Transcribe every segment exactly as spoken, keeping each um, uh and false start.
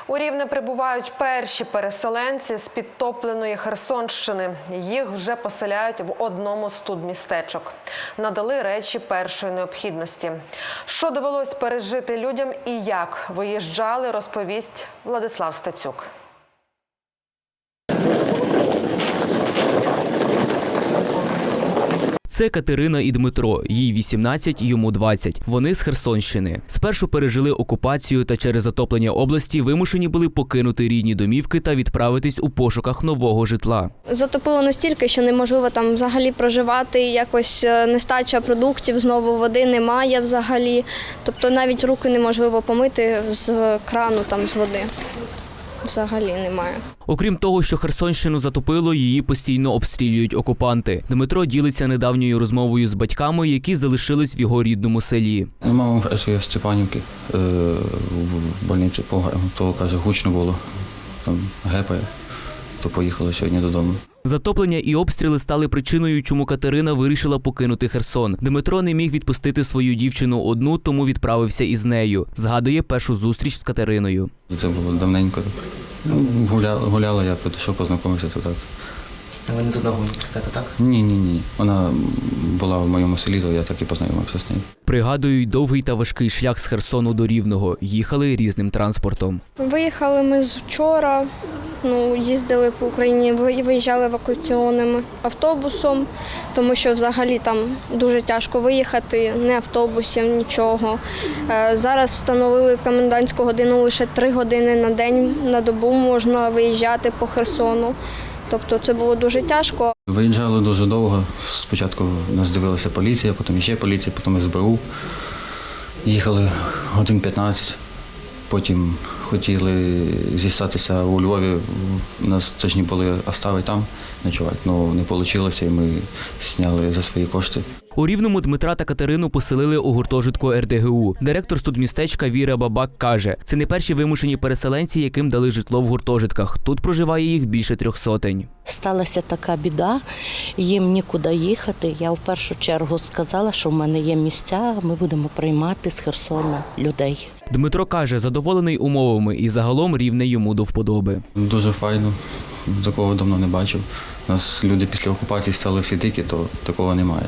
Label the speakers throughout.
Speaker 1: У Рівне прибувають перші переселенці з підтопленої Херсонщини. Їх вже поселяють в одному з студмістечок. Надали речі першої необхідності. Що довелось пережити людям і як виїжджали, розповість Владислав Стецюк.
Speaker 2: Це Катерина і Дмитро. Їй вісімнадцять, йому двадцять. Вони з Херсонщини. Спершу пережили окупацію та через затоплення області вимушені були покинути рідні домівки та відправитись у пошуках нового житла.
Speaker 3: Затопило настільки, що неможливо там взагалі проживати, якось нестача продуктів, знову води немає взагалі. Тобто навіть руки неможливо помити з крану, там, з води. Взагалі немає.
Speaker 2: Окрім того, що Херсонщину затопило, її постійно обстрілюють окупанти. Дмитро ділиться недавньою розмовою з батьками, які залишились в його рідному селі.
Speaker 4: Мама працює в Степанівці, в больниці, то, каже, гучно було, там гепає, то поїхала сьогодні додому.
Speaker 2: Затоплення і обстріли стали причиною, чому Катерина вирішила покинути Херсон. Дмитро не міг відпустити свою дівчину одну, тому відправився із нею. Згадує першу зустріч з Катериною.
Speaker 4: Це було давненько. Ну, гуляла, гуляла, я підійшов, познайомився, то так.
Speaker 2: А ви не з одного університету, так?
Speaker 4: Ні, ні, ні. Вона була в моєму селі, то я так і познайомився з нею.
Speaker 2: Пригадують довгий та важкий шлях з Херсону до Рівного. Їхали різним транспортом.
Speaker 3: Виїхали ми з вчора, ну, їздили по Україні, виїжджали евакуаційним автобусом, тому що взагалі там дуже тяжко виїхати, не автобусів, нічого. Зараз встановили комендантську годину, лише три години на день, на добу можна виїжджати по Херсону. Тобто це було дуже тяжко.
Speaker 4: Виїжджали дуже довго. Спочатку нас дивилася поліція, потім ще поліція, потім ес бе у. Їхали годин п'ятнадцять. Потім хотіли зістатися у Львові. Нас точні були оставити там ночувати, але не вийшло, і ми зняли за свої кошти.
Speaker 2: У Рівному Дмитра та Катерину поселили у гуртожитку ер де ге у. Директор студмістечка Віра Бабак каже, це не перші вимушені переселенці, яким дали житло в гуртожитках. Тут проживає їх більше трьох сотень.
Speaker 5: Сталася така біда, їм нікуди їхати. Я в першу чергу сказала, що в мене є місця, ми будемо приймати з Херсона людей.
Speaker 2: Дмитро каже, задоволений умовами і загалом Рівне йому до вподоби.
Speaker 4: Дуже файно, такого давно не бачив. У нас люди після окупації стали всі дикі, то такого немає.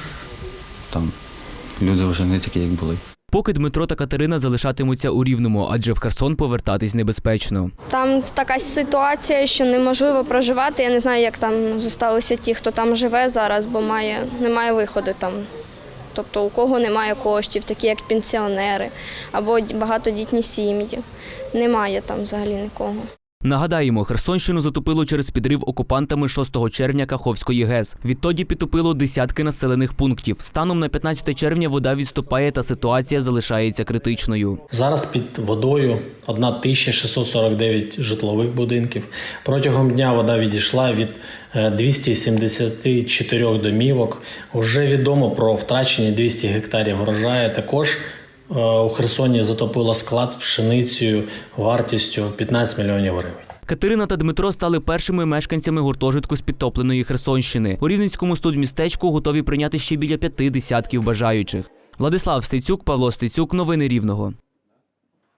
Speaker 4: Там люди вже не такі, як були.
Speaker 2: Поки Дмитро та Катерина залишатимуться у Рівному, адже в Херсон повертатись небезпечно.
Speaker 3: Там така ситуація, що неможливо проживати. Я не знаю, як там залишилися ті, хто там живе зараз, бо має, немає виходу там. Тобто у кого немає коштів, такі як пенсіонери або багатодітні сім'ї. Немає там взагалі нікого.
Speaker 2: Нагадаємо, Херсонщину затопило через підрив окупантами шостого червня Каховської ГЕС. Відтоді підтопило десятки населених пунктів. Станом на п'ятнадцяте червня вода відступає та ситуація залишається критичною.
Speaker 6: Зараз під водою тисяча шістсот сорок дев'ять житлових будинків. Протягом дня вода відійшла від двохсот сімдесяти чотирьох домівок. Уже відомо про втрачені двісті гектарів врожаю. Також у Херсоні затопило склад пшеницею вартістю п'ятнадцять мільйонів гривень.
Speaker 2: Катерина та Дмитро стали першими мешканцями гуртожитку з підтопленої Херсонщини. У Рівненському студмістечку готові прийняти ще біля п'яти десятків бажаючих. Владислав Стецюк, Павло Стецюк. Новини Рівного.